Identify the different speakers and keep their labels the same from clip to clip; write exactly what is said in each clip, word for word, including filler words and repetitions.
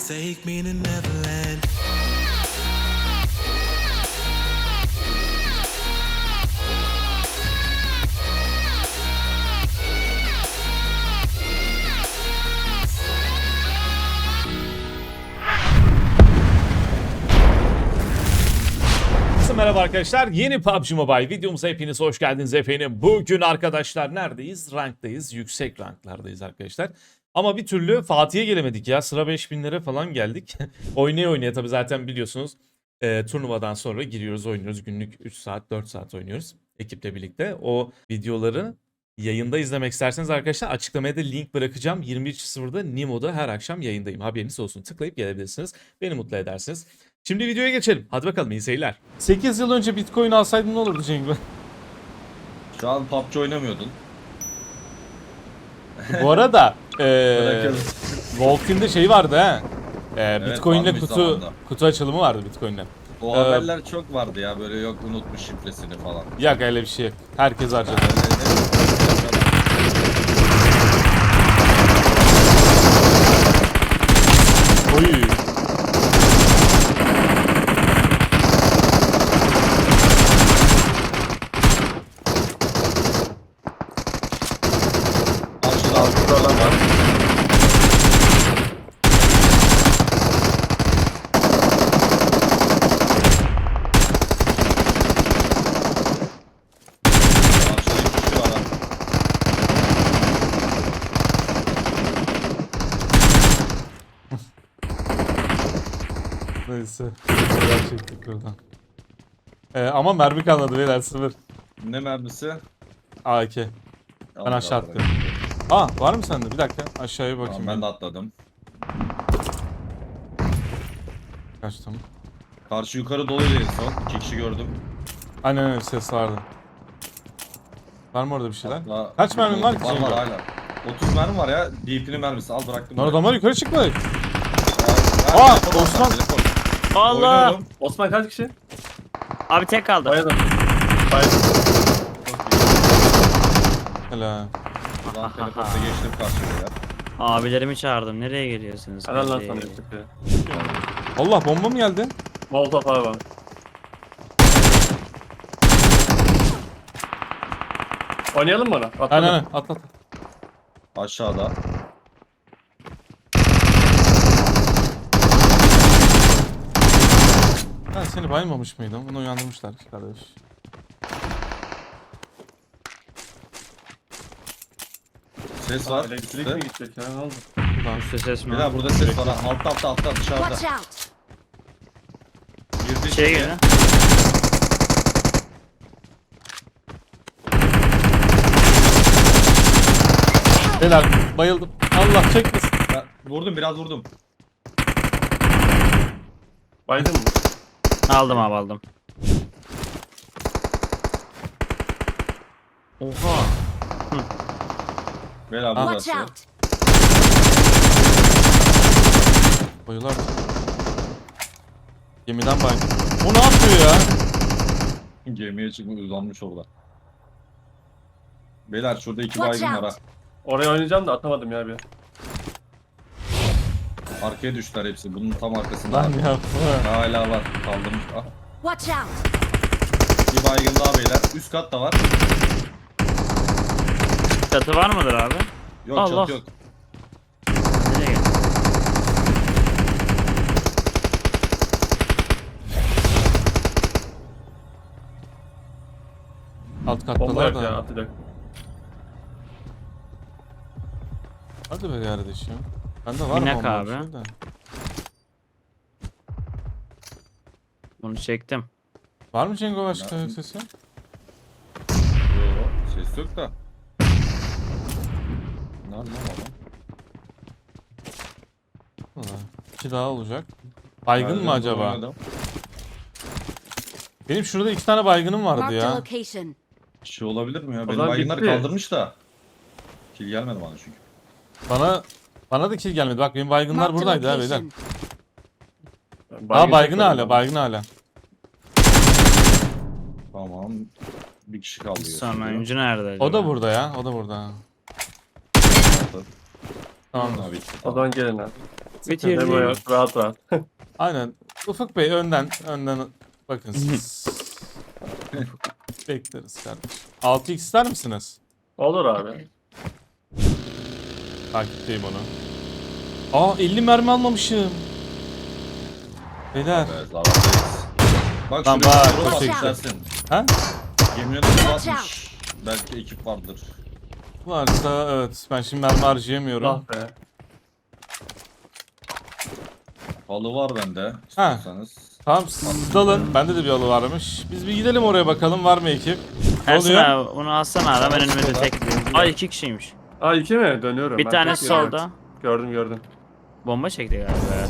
Speaker 1: take me to Neverland.
Speaker 2: Merhaba arkadaşlar, yeni P U B G Mobile videomuza hepiniz hoş geldiniz efendim. Bugün arkadaşlar neredeyiz? Ranktayız, yüksek ranklardayız arkadaşlar. Ama bir türlü Fatih'e gelemedik ya, sıra beş binlere falan geldik. oynaya oynaya tabi zaten biliyorsunuz e, turnuvadan sonra giriyoruz, oynuyoruz. Günlük üç saat dört saat oynuyoruz ekiple birlikte. O videoları yayında izlemek isterseniz arkadaşlar açıklamaya da link bırakacağım. yirmi üç sıfırda Nimo'da her akşam yayındayım, haberiniz olsun. Tıklayıp gelebilirsiniz, beni mutlu edersiniz. Şimdi videoya geçelim. Hadi bakalım, iyi seyirler. sekiz yıl önce Bitcoin alsaydın ne olurdu Cengiz?
Speaker 3: Şu an P U B G oynamıyordun.
Speaker 2: Bu arada e,
Speaker 3: Bırakırız.
Speaker 2: Volkin'de şey vardı ha. E,
Speaker 3: Evet,
Speaker 2: Bitcoin'le
Speaker 3: varmış
Speaker 2: kutu
Speaker 3: zamanında.
Speaker 2: kutu açılımı vardı Bitcoin'le.
Speaker 3: O
Speaker 2: Ee,
Speaker 3: haberler çok vardı ya, böyle yok unutmuş şifresini falan.
Speaker 2: Yok öyle bir şey yok. Herkes harcadı. Oy.
Speaker 3: Karşıda
Speaker 4: Falan var.
Speaker 3: karşıda iki kişi var ha.
Speaker 2: Neyse. Neler çektik buradan. E, ama mermi kalmadı beyler, sıfır.
Speaker 3: Ne mermisi?
Speaker 2: A K. Ben
Speaker 3: Allah
Speaker 2: aşağı
Speaker 3: Allah.
Speaker 2: attım. Aa, var mı sende? Bir dakika aşağıya bakayım.
Speaker 3: Tamam, ben de atladım.
Speaker 2: Kaçtım.
Speaker 3: Karşı yukarı doluydu en son. İki kişi gördüm.
Speaker 2: Aynen öyle, ses vardı. Var mı orada bir şeyler?
Speaker 3: Hatta-
Speaker 2: Kaç mermin var ki
Speaker 3: Var
Speaker 2: Cengo?
Speaker 3: var hala. otuz mermi var ya. D P'nin mermisi. Al bıraktım.
Speaker 2: Lan
Speaker 3: buraya.
Speaker 2: adamlar yukarı çıkmadı.
Speaker 3: Ya,
Speaker 2: Aa,
Speaker 3: ya, telefon
Speaker 2: Osman.
Speaker 3: var, telefon.
Speaker 4: Allah!
Speaker 3: Oynuyorum.
Speaker 4: Osman kaç kişi?
Speaker 5: Abi tek kaldı.
Speaker 4: Bayıldım. Bayıldım.
Speaker 2: Helal.
Speaker 3: Lan telefonda geçtim karşıya ya.
Speaker 5: Abilerimi çağırdım. Nereye geliyorsunuz?
Speaker 4: Helal lan
Speaker 5: Nereye?
Speaker 4: sana yaptık ya.
Speaker 2: Allah, bomba mı geldi?
Speaker 4: Molotov abi var. Oynayalım mı ona? Atladım.
Speaker 2: Aynen aynen, at at.
Speaker 3: Aşağıda.
Speaker 2: Ben seni baymamış mıydım? Bunu uyandırmışlar kardeş.
Speaker 3: Ses var.
Speaker 4: Elektrik
Speaker 3: üstte.
Speaker 4: mi gidecek ya, ne oldu?
Speaker 2: Buradan.
Speaker 5: Üstü ses mi?
Speaker 3: Bir daha burada ses var. ha. Altta altta altta dışarıda.
Speaker 6: Watch out!
Speaker 3: Girdi
Speaker 5: Şey
Speaker 3: içeriye.
Speaker 5: girdi.
Speaker 2: Beyler bayıldım. Allah çekmesin.
Speaker 3: Ben vurdum, biraz vurdum.
Speaker 4: Baydın mı?
Speaker 5: Aldım abi aldım. Oha.
Speaker 3: Bela
Speaker 2: Ah.
Speaker 3: burası.
Speaker 6: Watch out!
Speaker 2: Bayılar. Gemiden bay. O ne yapıyor ya?
Speaker 3: Gemiye çıkmış, uzanmış orada. Beyler şurada iki
Speaker 6: Watch
Speaker 3: baygın var
Speaker 6: out.
Speaker 3: ha.
Speaker 4: Oraya oynayacağım da atamadım ya bir.
Speaker 3: Arkaya düştüler hepsi. Bunun tam arkasında.
Speaker 2: Lan
Speaker 3: var.
Speaker 2: yapma.
Speaker 3: Hala var. Kaldırmış. Ah.
Speaker 6: Watch out!
Speaker 3: Bir baygın daha beyler. Üst kat da var.
Speaker 5: Çatı var mıdır abi?
Speaker 3: Yok
Speaker 5: Allah.
Speaker 3: çat yok.
Speaker 5: Nereye geldi?
Speaker 2: Alt
Speaker 4: Bomba
Speaker 2: kattalar
Speaker 4: yok ya,
Speaker 2: da.
Speaker 4: atacak.
Speaker 2: Hadi be kardeşim. Bende var mı
Speaker 5: Minak
Speaker 2: bomba
Speaker 5: abi.
Speaker 2: bir şey de?
Speaker 5: Bunu çektim.
Speaker 2: Var mı Cengo başka
Speaker 3: Ya.
Speaker 2: sesi?
Speaker 3: Yok. Ses yok da. Ne lan adam?
Speaker 2: Valla. İki daha olacak. Baygın mı
Speaker 3: Nereden
Speaker 2: acaba?
Speaker 3: oynadım?
Speaker 2: Benim şurada iki tane baygınım vardı
Speaker 6: Marked a
Speaker 2: ya.
Speaker 6: location.
Speaker 3: Şey olabilir mi ya?
Speaker 4: O
Speaker 3: Benim
Speaker 4: zaman
Speaker 3: baygınları
Speaker 4: bitti.
Speaker 3: kaldırmış da. Kill gelmedi bana çünkü.
Speaker 2: Bana bana da kill gelmedi. Bak benim baygınlar
Speaker 6: Marked a
Speaker 2: buradaydı ha beyler.
Speaker 6: location.
Speaker 2: Aa, baygın
Speaker 4: çekmedim
Speaker 2: hala,
Speaker 4: abi.
Speaker 2: baygın hala.
Speaker 3: Tamam. Bir kişi kaldı.
Speaker 5: Sonuncu nerede acaba?
Speaker 2: O da burada ya, o da burada. Tamam.
Speaker 3: Abi.
Speaker 4: O zaman gelin abi.
Speaker 5: Bitirdim.
Speaker 4: Memo yok. Rahat rahat.
Speaker 2: Aynen. Ufuk Bey önden önden bakın siz. Bekleriz kardeşim. altı x ister misiniz?
Speaker 4: Olur abi.
Speaker 2: Takipteyim onu. Aa elli mermi almamışım. Beyler.
Speaker 3: Evet, zarardayız. Bak
Speaker 2: Tamam,
Speaker 3: şuraya
Speaker 2: bak,
Speaker 3: bir yol
Speaker 2: teşekkür.
Speaker 3: atmış dersin.
Speaker 2: Ha?
Speaker 3: Gemine de atmış. Belki ekip vardır.
Speaker 2: Varsa evet. Ben şimdi mermi harcayamıyorum.
Speaker 4: Ah be.
Speaker 3: Halı var bende.
Speaker 2: Ha.
Speaker 3: İstiyorsanız.
Speaker 2: Tamam siz dalın. Bende de bir alı varmış. Biz bir gidelim oraya bakalım var mı ekip? Ne
Speaker 5: Ersin
Speaker 2: oluyor?
Speaker 5: abi onu alsana abi. Ben önüme de tek. Ay iki kişiymiş.
Speaker 4: Aa iki mi? Dönüyorum.
Speaker 5: Bir
Speaker 4: ben.
Speaker 5: tanesi
Speaker 4: Tek yerim.
Speaker 5: solda.
Speaker 4: Gördüm gördüm.
Speaker 5: Bomba çekti galiba.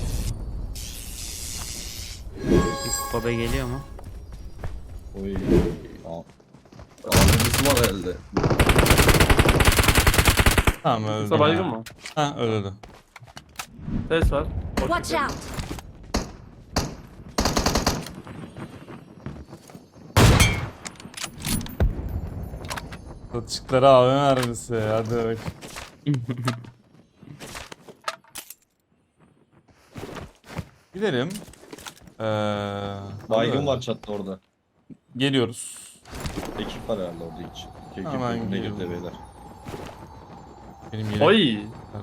Speaker 5: Baba geliyor mu?
Speaker 3: Oy. Aa. Ağzımız var elde.
Speaker 2: Tamam öldü.
Speaker 4: Kısa baygın mı?
Speaker 2: Ha öldü.
Speaker 4: Ses var.
Speaker 6: Watch out!
Speaker 2: Satışıkları A V M mermisi. Hadi bak. Gidelim. Ee,
Speaker 3: Baygın
Speaker 2: hadi.
Speaker 3: var çatta orada.
Speaker 2: Geliyoruz.
Speaker 3: Ekip var herhalde orada hiç. İki ekip
Speaker 2: Hemen
Speaker 3: birbirine
Speaker 2: geliyorum.
Speaker 3: girdi beyler.
Speaker 2: Benim yine.
Speaker 4: Oy.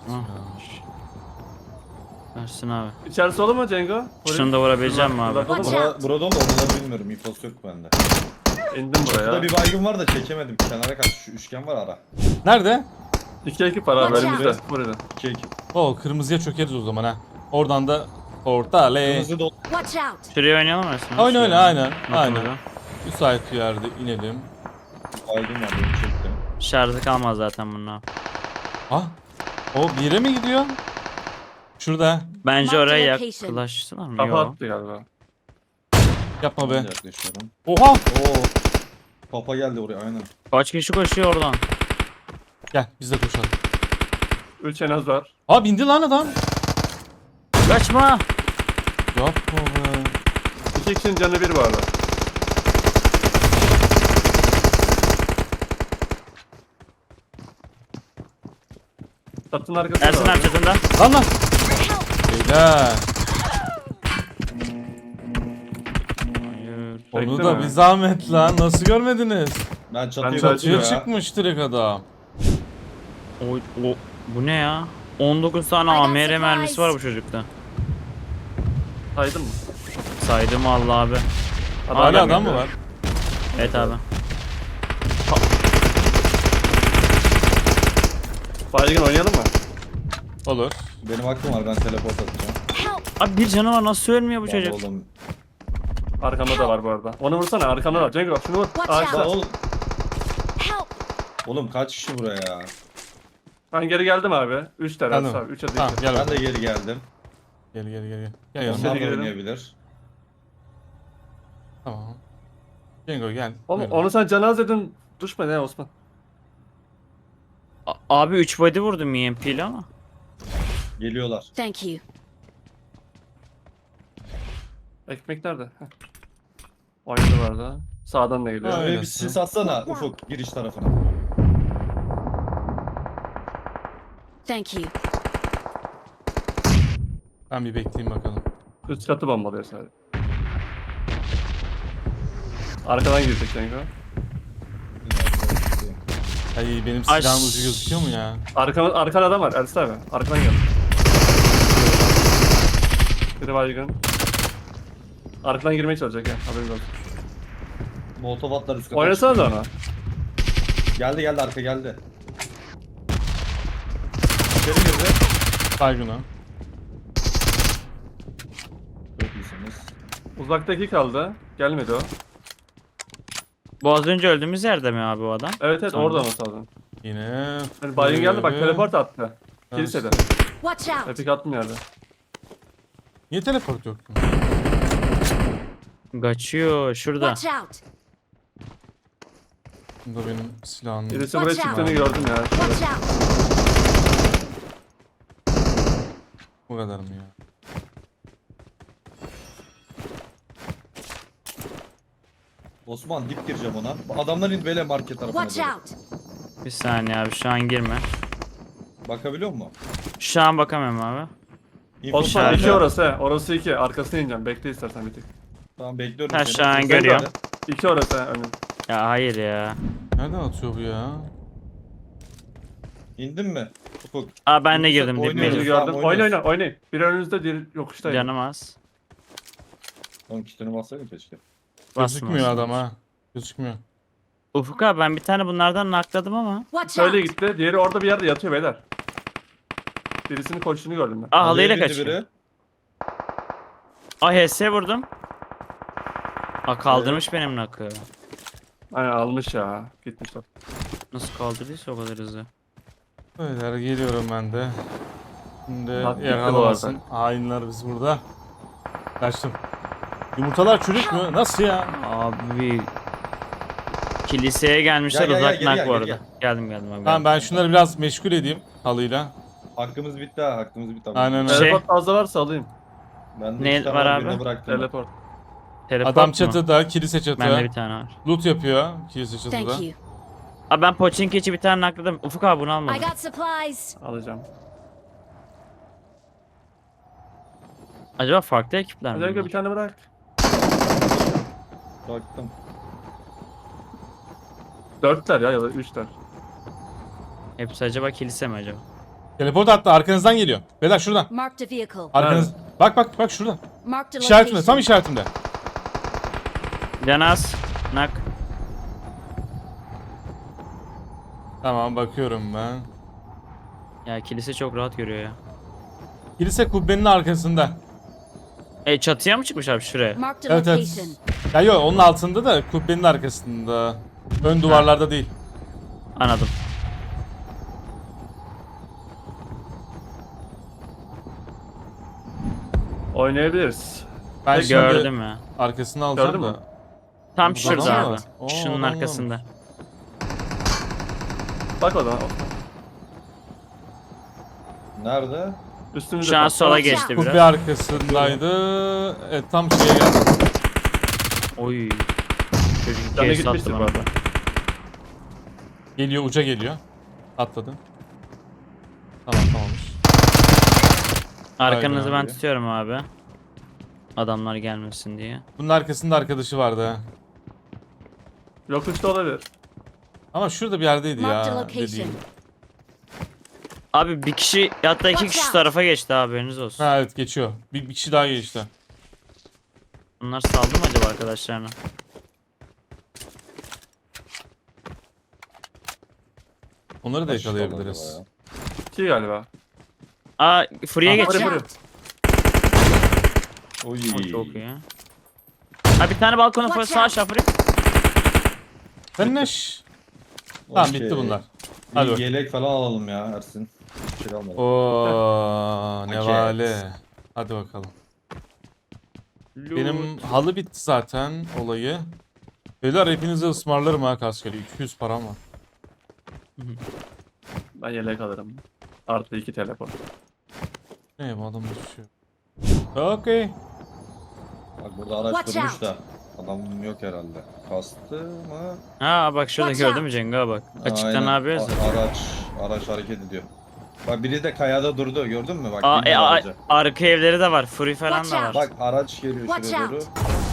Speaker 5: Ersin abi.
Speaker 4: İçerisi olur mu Cengo?
Speaker 5: Şunu da vurabileceğim mi abi?
Speaker 4: Bırak-
Speaker 6: Watch
Speaker 3: Bura,
Speaker 6: out!
Speaker 3: burada mı oraları bilmiyorum. İnfosu yok bende.
Speaker 4: İndim
Speaker 3: Burada
Speaker 4: buraya.
Speaker 3: bir baygın var da çekemedim. Kenara kaç. Şu üçgen var ara.
Speaker 2: Nerede?
Speaker 4: İki ekip var abi
Speaker 6: Watch
Speaker 4: önümüzde. Buraya.
Speaker 3: İki ekip.
Speaker 2: O kırmızıya çökeriz o zaman ha. Oradan da orta le.
Speaker 3: Kırmızı dolu.
Speaker 6: Watch out!
Speaker 5: Şuraya oynayalım mı Ersin?
Speaker 2: Oyna oyna aynen.
Speaker 5: Bakın
Speaker 2: Aynen.
Speaker 5: burada.
Speaker 2: Müsait bir yerde inelim.
Speaker 3: Baygın var. Beni çektim.
Speaker 5: Şarjı kalmaz zaten bunun abi.
Speaker 2: Ah. O bir yere mi gidiyor? Şurada.
Speaker 5: Bence
Speaker 6: Mark
Speaker 5: oraya
Speaker 6: the location.
Speaker 5: yaklaştılar mı?
Speaker 4: Kafa
Speaker 5: Yok.
Speaker 4: attı galiba.
Speaker 2: Yapma
Speaker 3: Ben
Speaker 2: be.
Speaker 3: de yaklaşıyorum.
Speaker 2: Oha.
Speaker 3: Oo. Papa geldi oraya aynen.
Speaker 5: Kaç kişi koşuyor oradan?
Speaker 2: Gel biz de koşalım.
Speaker 4: Üç en az var.
Speaker 2: Aa bindi lan adam.
Speaker 5: Kaçma!
Speaker 2: Yapma be.
Speaker 4: İki kişinin canı bir var. Satın arkasında
Speaker 5: Ersin
Speaker 4: var.
Speaker 5: abi çatında.
Speaker 2: Lan lan. Beyler.
Speaker 5: Hayır.
Speaker 2: Onu
Speaker 4: Bekle
Speaker 2: da
Speaker 4: mi?
Speaker 2: bir zahmet lan. Nasıl görmediniz?
Speaker 3: Ben çatıya
Speaker 4: Ben
Speaker 3: bakıyorum
Speaker 2: Çatıya
Speaker 3: ya.
Speaker 2: çıkmış direkt adam.
Speaker 5: O, o, bu ne ya? on dokuz tane
Speaker 6: I got
Speaker 5: A M R
Speaker 6: supplies.
Speaker 5: mermisi var bu çocukta.
Speaker 4: Saydın mı?
Speaker 5: Saydım Allah abi.
Speaker 2: Hala
Speaker 4: gelmedi.
Speaker 2: adam mı var?
Speaker 5: Evet abi.
Speaker 4: Baygın oynayalım mı?
Speaker 2: Olur.
Speaker 3: Benim hakkım var ben teleport atacağım.
Speaker 6: Help!
Speaker 5: Abi bir canı var nasıl ölmüyor bu
Speaker 3: Lan
Speaker 5: çocuk?
Speaker 3: Oğlum.
Speaker 4: Arkamda da var bu arada. Onu vursana arkamda var. Cengo şunu vur.
Speaker 6: Watch
Speaker 4: Ağaçta.
Speaker 3: Lan oğlum.
Speaker 6: Help!
Speaker 3: Oğlum kaç kişi buraya ya?
Speaker 4: Ben geri geldim abi. Üç tane
Speaker 2: Geldim.
Speaker 4: abi. Üçe
Speaker 2: Tamam
Speaker 4: düştü.
Speaker 2: gel
Speaker 3: Ben
Speaker 2: bakalım.
Speaker 3: de geri geldim.
Speaker 2: Gel gel gel gel. Gel yanıma.
Speaker 3: Onlar da
Speaker 4: girelim.
Speaker 3: oynayabilir.
Speaker 2: Tamam. Cengo gel.
Speaker 4: Oğlum,
Speaker 2: Buyurun.
Speaker 4: onu sen canaz edin. Düşme ne Osman.
Speaker 5: A- abi üç body vurdum E M P ile ama.
Speaker 3: Geliyorlar.
Speaker 6: Thank you.
Speaker 4: Ekmek nerede? Heh. Oynadı bu arada. Sağdan da geliyor.
Speaker 2: Aynen.
Speaker 3: Şuraya bir sis atsana Ufuk giriş tarafına.
Speaker 6: Thank you.
Speaker 2: Ben bir bekleyeyim bakalım.
Speaker 4: Üst katı bombalıyor sadece. Arkadan girecek Cengo.
Speaker 2: Ay benim
Speaker 5: Ay,
Speaker 2: silahın ucu gözüküyor mu ya?
Speaker 4: Arkan, arkan adam var Ersin abi. Arkadan gel. Biri baygın. Arkadan girmeye çalışacak ya. Haberiniz olsun.
Speaker 3: Molotov atlar üst kata.
Speaker 4: Oynasana da ona.
Speaker 3: Geldi geldi arka geldi. İçeri girdi.
Speaker 2: Baygın o.
Speaker 3: Çok iyisiniz.
Speaker 4: Uzaktaki kaldı. Gelmedi o.
Speaker 5: Bu az önce öldüğümüz yerde mi abi o adam?
Speaker 4: Evet evet
Speaker 5: Tamam.
Speaker 4: orada olması lazım.
Speaker 2: Yine.
Speaker 4: Yani baygın geldi bak
Speaker 2: Ee,
Speaker 4: teleport attı. Kilisede.
Speaker 6: Watch out!
Speaker 4: Epik attım yerde.
Speaker 2: Niye teleport yok?
Speaker 5: Kaçıyor şurada.
Speaker 6: Watch out!
Speaker 2: Bunda benim silahım.
Speaker 4: Birisi buraya
Speaker 6: Watch out.
Speaker 4: çıktığını gördüm ya.
Speaker 6: Watch out!
Speaker 2: Bu kadar mı ya?
Speaker 3: Osman dip gireceğim ona. Adamlar indi böyle market tarafına
Speaker 6: Watch
Speaker 3: doğru.
Speaker 6: out!
Speaker 5: Bir saniye abi şu an girme.
Speaker 3: Bakabiliyor musun?
Speaker 5: Şu an bakamıyorum abi.
Speaker 3: İnfo
Speaker 4: Osman
Speaker 5: Aşağıda.
Speaker 4: iki orası he. Orası iki. Arkasına ineceğim. Bekle istersen bir tık.
Speaker 3: Tamam bekliyorum
Speaker 5: Aşağı
Speaker 3: seni.
Speaker 5: görüyorum.
Speaker 4: İki orası he önüm.
Speaker 5: Ya hayır ya.
Speaker 2: Nereden atıyor bu ya?
Speaker 3: İndin mi? Ufuk.
Speaker 5: Aa ben de
Speaker 3: Yoksa
Speaker 5: girdim
Speaker 3: oynuyoruz.
Speaker 5: dibime.
Speaker 4: Birini
Speaker 3: Tamam,
Speaker 4: gördüm.
Speaker 3: oynuyoruz.
Speaker 4: Oyna oyna oynayın. Biri önünüzde diğeri yokuştayım.
Speaker 5: Canım az.
Speaker 3: Oğlum kitini bassaydın keşke.
Speaker 2: Gözükmüyor
Speaker 5: Basmaz.
Speaker 2: adam ha. Gözükmüyor.
Speaker 5: Ufuk abi ben bir tane bunlardan nakladım ama.
Speaker 6: Watch
Speaker 4: Şöyle
Speaker 6: out!
Speaker 4: gitti. Diğeri orada bir yerde yatıyor beyler. Birisinin koştuğunu gördüm ben.
Speaker 5: Aa halıyla
Speaker 3: Halıya bindi
Speaker 5: kaçıyor.
Speaker 3: biri.
Speaker 5: Aa H S vurdum. Aa kaldırmış benim nakı.
Speaker 4: Aynen almış ya. Gitmişler.
Speaker 5: Nasıl kaldırdıysa o kadar hızlı.
Speaker 2: Beyler geliyorum ben de. Şimdi
Speaker 4: Bak, gitti
Speaker 2: yakalamasın. Hainler biz burada. Kaçtım. Yumurtalar çürük mü? Nasıl ya?
Speaker 5: Abi kiliseye gelmişler
Speaker 3: Gel, gel,
Speaker 5: uzak
Speaker 3: gel,
Speaker 5: nak
Speaker 3: gel,
Speaker 5: bu
Speaker 3: gel,
Speaker 5: arada.
Speaker 3: gel.
Speaker 5: Geldim geldim abi.
Speaker 2: Tamam ben şunları biraz meşgul edeyim halıyla.
Speaker 3: Hakkımız bitti ha. Hakkımız bitti.
Speaker 2: Aynen öyle.
Speaker 5: Şey-
Speaker 4: Teleport fazla varsa alayım.
Speaker 3: Ben de
Speaker 5: Ne
Speaker 3: iki tane
Speaker 5: var
Speaker 3: var,
Speaker 5: abi?
Speaker 3: birine bıraktım.
Speaker 4: Teleport.
Speaker 5: Teleport
Speaker 2: Adam
Speaker 5: mu?
Speaker 2: çatıda, kilise çatıda.
Speaker 5: Bende bir tane var.
Speaker 2: Loot yapıyor kilise çatıda.
Speaker 6: Thank you.
Speaker 5: Aa ben Pochinki'ci bir tane nakladım. Ufuk abi bunu
Speaker 6: I
Speaker 5: almadım.
Speaker 6: got supplies.
Speaker 4: Alacağım.
Speaker 5: Acaba farklı ekipler mi?
Speaker 4: Özellikle
Speaker 5: bunlar?
Speaker 4: bir tane bırak.
Speaker 3: Baktım.
Speaker 4: Dörtler ya ya da üçler.
Speaker 5: Hepsi acaba kilise mi acaba?
Speaker 2: Teleport attı arkanızdan geliyor. Beyler şuradan.
Speaker 6: Marked a vehicle.
Speaker 2: Arkanız. Bak bak bak şuradan.
Speaker 6: Marked a
Speaker 2: İşaretimde tam
Speaker 6: location.
Speaker 2: işaretimde.
Speaker 5: Canas. Nak.
Speaker 2: Tamam bakıyorum ben.
Speaker 5: Ya kilise çok rahat görüyor ya.
Speaker 2: Kilise kubbenin arkasında.
Speaker 5: E çatıya mı çıkmış abi şuraya?
Speaker 6: Marked a
Speaker 2: Evet evet.
Speaker 6: location.
Speaker 2: Ya yok onun altında da kubbenin arkasında. Ön duvarlarda değil.
Speaker 5: Anladım.
Speaker 4: Oynayabiliriz.
Speaker 2: Ben şimdi
Speaker 5: Gördüm ya.
Speaker 2: arkasını alacağım
Speaker 4: Gördün
Speaker 2: da.
Speaker 4: mü?
Speaker 5: Tam
Speaker 2: Burada
Speaker 5: şurada
Speaker 2: adam
Speaker 5: abi.
Speaker 2: var. Oo,
Speaker 5: Şunun
Speaker 2: adam
Speaker 5: arkasında.
Speaker 2: varmış.
Speaker 4: Bak o zaman.
Speaker 3: Nerede?
Speaker 4: Üstümüzde.
Speaker 5: Şu an
Speaker 4: kal.
Speaker 5: sola
Speaker 6: Watch
Speaker 5: geçti
Speaker 6: out.
Speaker 2: Kubbe
Speaker 5: biraz.
Speaker 2: arkasındaydı. Evet tam şeye geldi.
Speaker 5: Oy. Çocuk
Speaker 4: Canı
Speaker 5: kes
Speaker 4: gitmiştir
Speaker 5: sattı
Speaker 4: bu
Speaker 5: bana.
Speaker 4: arada.
Speaker 2: Geliyor uca geliyor. Atladı. Tamam tamammış.
Speaker 5: Arkanızı
Speaker 2: Aynen
Speaker 5: ben
Speaker 2: abi.
Speaker 5: tutuyorum abi. Adamlar gelmesin diye.
Speaker 2: Bunun arkasında arkadaşı vardı ha.
Speaker 4: Yok üstte olabilir.
Speaker 2: Ama şurada bir yerdeydi
Speaker 6: Marked a
Speaker 2: ya
Speaker 6: location.
Speaker 2: dediğim.
Speaker 5: Abi bir kişi hatta iki
Speaker 6: Watch
Speaker 5: kişi şu
Speaker 6: out.
Speaker 5: tarafa geçti abi haberiniz olsun.
Speaker 2: Ha evet geçiyor. Bir, bir kişi daha geçti.
Speaker 5: Bunlar saldı mı acaba arkadaşlarına?
Speaker 2: Onları da
Speaker 3: Kaç
Speaker 2: yakalayabiliriz.
Speaker 3: kişi kaldı
Speaker 4: İki galiba.
Speaker 5: Aa Fury'e
Speaker 4: Aa,
Speaker 5: geç.
Speaker 4: Furi,
Speaker 6: Watch
Speaker 4: Furi.
Speaker 6: out!
Speaker 3: acaba? Oy.
Speaker 5: O çok iyi. Ha bir tane balkona
Speaker 6: Watch
Speaker 5: sağ
Speaker 6: out.
Speaker 5: aşağı Fury.
Speaker 2: Sen ne ş- Tamam
Speaker 3: Okey.
Speaker 2: bitti bunlar.
Speaker 3: Bir
Speaker 2: Hadi bak.
Speaker 3: yelek falan alalım ya Ersin. Bir şey almadım.
Speaker 2: Oo ne
Speaker 3: Paket.
Speaker 2: vale. Hadi bakalım. Benim halı bitti zaten olayı. Beyler hepinize ısmarlarım ha kaskeli. iki yüz param var.
Speaker 4: Ben yelek alırım. Artı iki teleport.
Speaker 2: Ne bu adam düşüyor. Okey.
Speaker 3: Bak burada araç
Speaker 6: Watch
Speaker 3: durmuş
Speaker 6: out.
Speaker 3: da. Adam yok herhalde. Kastı mı?
Speaker 5: Ha bak şurada
Speaker 6: Watch
Speaker 5: gördün mü Cenga bak. Açıktan
Speaker 3: Aynen.
Speaker 5: ne yapıyoruz?
Speaker 3: A- araç, araç hareket ediyor. Bak biri de kayada durdu gördün mü? Bak
Speaker 5: Aa,
Speaker 3: bindi
Speaker 5: e, a-
Speaker 3: araca.
Speaker 5: arka evleri de var. Fury falan
Speaker 6: Watch
Speaker 5: da var.
Speaker 6: out.
Speaker 3: Bak araç geliyor
Speaker 6: Watch
Speaker 3: şuraya
Speaker 6: out.
Speaker 3: doğru.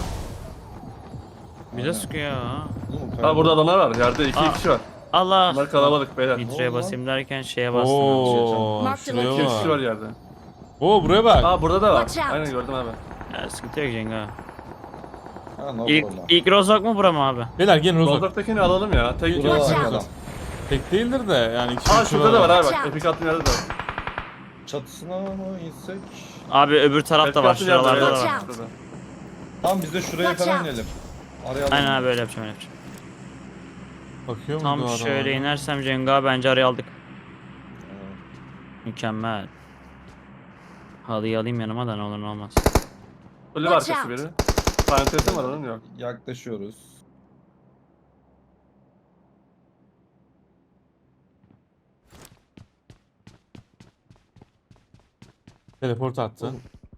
Speaker 5: Bize
Speaker 3: Aynen.
Speaker 5: sıkıyor ha.
Speaker 3: Oğlum,
Speaker 4: Ha
Speaker 3: kayada-
Speaker 4: burada adamlar var. Yerde iki
Speaker 5: Aa.
Speaker 4: kişi var.
Speaker 5: Allah.
Speaker 4: Bunlar kalabalık beyler.
Speaker 5: Nitro'ya
Speaker 3: Ne oldu
Speaker 5: basayım derken şeye bastım.
Speaker 2: Oo
Speaker 6: Mark the
Speaker 2: şuraya
Speaker 4: İki kişi var
Speaker 2: bak.
Speaker 4: yerde.
Speaker 2: Oo buraya bak.
Speaker 4: Aa burada da var.
Speaker 6: Watch out.
Speaker 4: Aynen gördüm abi.
Speaker 5: Ya, sıkıntı yok Cenga.
Speaker 3: Ha, no
Speaker 5: İlk,
Speaker 3: problem.
Speaker 5: ilk Rozok mu bura mı abi?
Speaker 2: Beyler gelin Rozok.
Speaker 4: Rozok'takini alalım ya. Tek iki
Speaker 3: Burada
Speaker 6: Watch
Speaker 3: var
Speaker 6: out.
Speaker 3: adam.
Speaker 2: Tek değildir de yani iki
Speaker 4: Aa
Speaker 2: üç
Speaker 4: şurada da var abi
Speaker 6: Watch
Speaker 4: bak.
Speaker 6: out.
Speaker 4: Epic attığım yerde de var.
Speaker 3: Çatısına mı insek?
Speaker 5: Abi öbür tarafta
Speaker 4: Epic
Speaker 5: var.
Speaker 4: attığım yerde
Speaker 5: Şuralarda da
Speaker 6: Watch
Speaker 5: var.
Speaker 6: out.
Speaker 4: Şurada.
Speaker 3: Tamam biz de şuraya
Speaker 6: Watch
Speaker 3: falan
Speaker 6: out.
Speaker 3: inelim. Arayalım.
Speaker 5: Aynen abi öyle yapacağım öyle yapacağım.
Speaker 2: Bakıyor mu
Speaker 5: Tam
Speaker 2: bu adam
Speaker 5: şöyle
Speaker 2: hala?
Speaker 5: inersem Cenga bence araya aldık.
Speaker 3: Evet.
Speaker 5: Mükemmel. Halıyı alayım yanıma da ne olur ne olmaz.
Speaker 4: Ölü
Speaker 6: Watch
Speaker 4: arkası
Speaker 6: out.
Speaker 4: biri. Parantezi var onun yok.
Speaker 3: Yaklaşıyoruz.
Speaker 2: Teleport attı.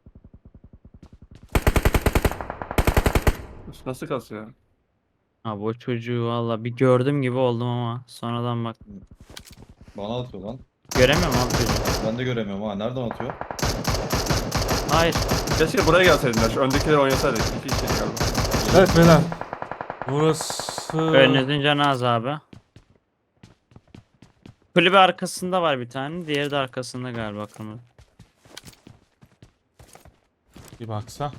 Speaker 4: Üst nasıl kasıyor?
Speaker 5: Abi o çocuğu valla bir gördüm gibi oldum ama sonradan bak.
Speaker 3: Bana atıyor lan.
Speaker 5: Göremiyorum abi çocuğu.
Speaker 3: Ben de göremiyorum ha. Nereden atıyor?
Speaker 5: Hayır.
Speaker 4: Keşke buraya gelseydin ya. Şu öndekileri oynasaydık. İki kişi galiba.
Speaker 2: Evet beyler. Burası...
Speaker 5: Önünüzün canı az abi. Kulübe arkasında var bir tane. Diğeri de arkasında galiba kırmızı.
Speaker 2: Bir baksa.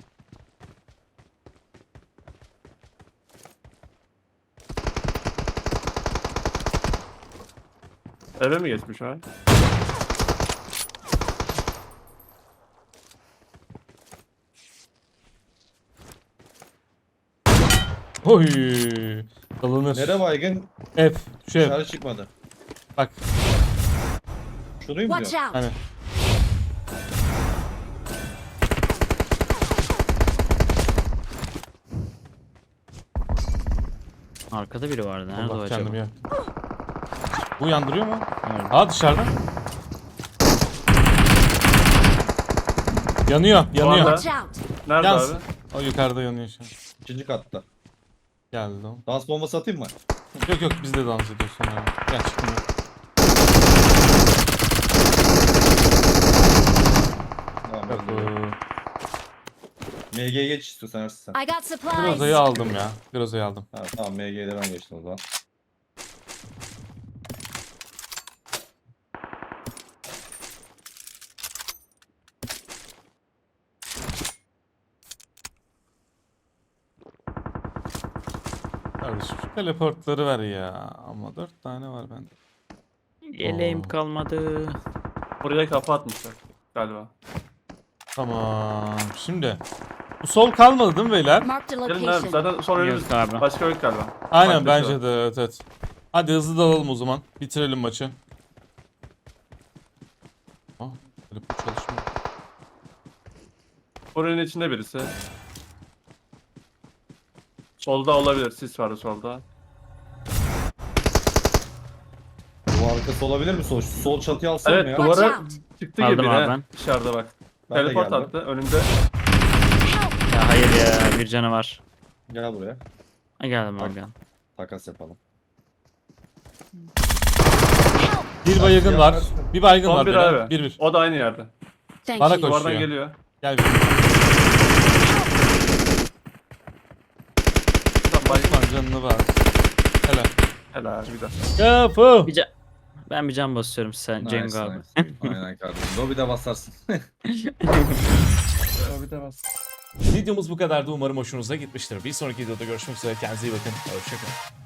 Speaker 4: Eve mi geçmiş ha?
Speaker 2: Oy. Alınır.
Speaker 3: Nere baygın?
Speaker 2: F. Şu F.
Speaker 3: Dışarı çıkmadı.
Speaker 2: Bak.
Speaker 3: Şurayı mı
Speaker 6: Watch
Speaker 3: diyor?
Speaker 6: out!
Speaker 2: Hani.
Speaker 5: Arkada biri vardı. Nerede o
Speaker 2: Allah
Speaker 5: acaba?
Speaker 2: kendimi yaktım. Bu yandırıyor mu?
Speaker 5: Evet.
Speaker 2: Aa dışarıda. Yanıyor, yanıyor.
Speaker 4: anda-
Speaker 6: Watch out!
Speaker 4: Nerede
Speaker 2: Yansın.
Speaker 4: abi?
Speaker 2: O yukarıda yanıyor şu an.
Speaker 3: İkinci katta.
Speaker 2: Geldi o.
Speaker 3: Dans bombası atayım mı?
Speaker 2: Yok yok biz de dans ediyoruz sonra. Gel çıkın.
Speaker 3: Tamam.
Speaker 2: Yok,
Speaker 3: öyle. M G'ye geç istiyorsan Ersin sen.
Speaker 6: I got supplies.
Speaker 2: Groza'yı aldım ya. Groza'yı aldım.
Speaker 3: Ha, tamam M G'de ben geçtim o zaman.
Speaker 2: Kardeşim şu teleportları ver ya. Ama dört tane var bende.
Speaker 5: Yeleğim
Speaker 2: Oo.
Speaker 5: kalmadı.
Speaker 4: Buraya kafa atmışlar galiba.
Speaker 2: Tamam. Şimdi. Bu sol kalmadı değil mi beyler?
Speaker 6: Marked a
Speaker 4: Gelin abi
Speaker 6: location.
Speaker 4: zaten son önümüz.
Speaker 5: Yok abi.
Speaker 4: Başka yok galiba.
Speaker 2: Aynen
Speaker 4: Başka
Speaker 2: bence de evet evet. Hadi hızlı dalalım o zaman. Bitirelim maçı. Aa, telefon çalışmıyor.
Speaker 4: Buranın içinde birisi. Solda olabilir. Sis vardı solda.
Speaker 3: Bu arkası olabilir mi sol? Şu sol çatıyı alsana
Speaker 4: Evet
Speaker 3: ya.
Speaker 6: Watch
Speaker 4: duvara
Speaker 6: out!
Speaker 4: çıktı
Speaker 5: Aldım
Speaker 4: gibi
Speaker 5: abi
Speaker 4: ne?
Speaker 5: ben.
Speaker 4: Dışarıda bak.
Speaker 3: Ben de
Speaker 4: Teleport
Speaker 3: geldim.
Speaker 4: attı önümde.
Speaker 6: Help!
Speaker 5: Ya hayır ya bir canı var.
Speaker 3: Gel buraya.
Speaker 5: Ha, geldim abi gel.
Speaker 3: Takas yapalım.
Speaker 2: Bir baygın var. Bir baygın
Speaker 4: Son
Speaker 2: var
Speaker 4: bir
Speaker 2: beyler.
Speaker 4: abi.
Speaker 2: Bir bir.
Speaker 4: O da aynı yerde.
Speaker 6: Thank
Speaker 2: Bana
Speaker 6: you.
Speaker 2: koş.
Speaker 4: Duvardan
Speaker 2: Koşuyor.
Speaker 4: geliyor.
Speaker 2: Gel bir.
Speaker 4: Tamam, bay-
Speaker 2: Osman canını var. Helal.
Speaker 4: Helal bir daha.
Speaker 2: Kapı.
Speaker 5: Bir can... Ben bir can basıyorum sen
Speaker 3: Nice,
Speaker 5: Cengo abi.
Speaker 3: nice. Aynen kardeşim. Lobby'de basarsın.
Speaker 4: Bir de bas.
Speaker 2: Videomuz bu kadardı. Umarım hoşunuza gitmiştir. Bir sonraki videoda görüşmek üzere. Kendinize iyi bakın. Hoşçakalın.